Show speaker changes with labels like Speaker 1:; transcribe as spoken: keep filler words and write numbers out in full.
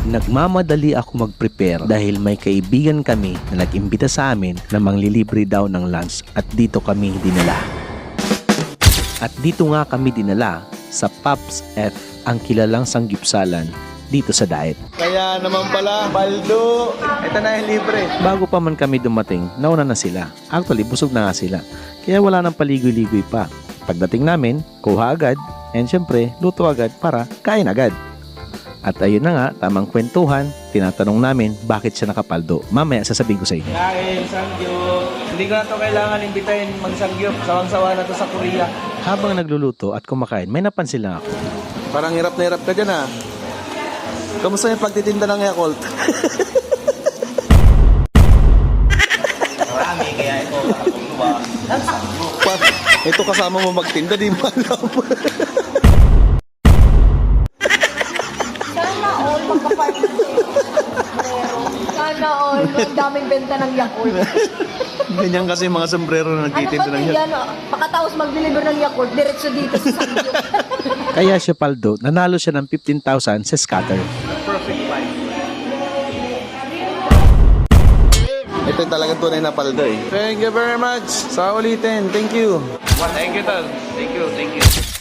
Speaker 1: Nagmamadali ako mag-prepare dahil may kaibigan kami na nag-imbita sa amin na manglilibre daw ng lunch at dito kami dinala. At dito nga kami dinala sa Pops F, ang kilalang sanggipsalan dito sa Daet.
Speaker 2: Kaya naman pala, Baldo, ito na yung libre.
Speaker 1: Bago pa man kami dumating, nauna na sila. Actually, busog na nga sila. Kaya wala nang paligoy-ligoy pa. Pagdating namin, kuha agad, and syempre, luto agad para kain agad. At ayun na nga, tamang kwentuhan, tinatanong namin bakit siya nakapaldo. Mamaya sasabihin ko sa inyo.
Speaker 2: Kain, sangyup. Hindi ko na ito kailangan imbitahin mag-sangyup. Sawang-sawa na to sa Korea.
Speaker 1: Habang nagluluto at kumakain, may napansin lang ako.
Speaker 2: Parang hirap na hirap ka dyan ah. Kamusta yung pagtitinda ng Yakult?
Speaker 3: Marami, kaya ito, tuwa.
Speaker 2: Pa- ito kasama mo magtinda, di mo alam.
Speaker 4: Sana all magka-partner sa'yo. Sana all. Ang daming benta ng Yakult.
Speaker 2: Ganyan kasi mga sombrero na
Speaker 4: Ano ba
Speaker 2: nagtitinda ng
Speaker 4: ito
Speaker 2: Yakult.
Speaker 4: yan? Pakatapos mag-deliver ng Yakult, diretso dito sa Sangyup.
Speaker 1: Kaya siya paldo, nanalo siya ng fifteen thousand sa scatter.
Speaker 2: Perfect price. Ito yung talagang tunay na paldo eh. Thank you very much. Sa ulitin. Thank you.
Speaker 3: Thank you, Tal. Thank you, thank you.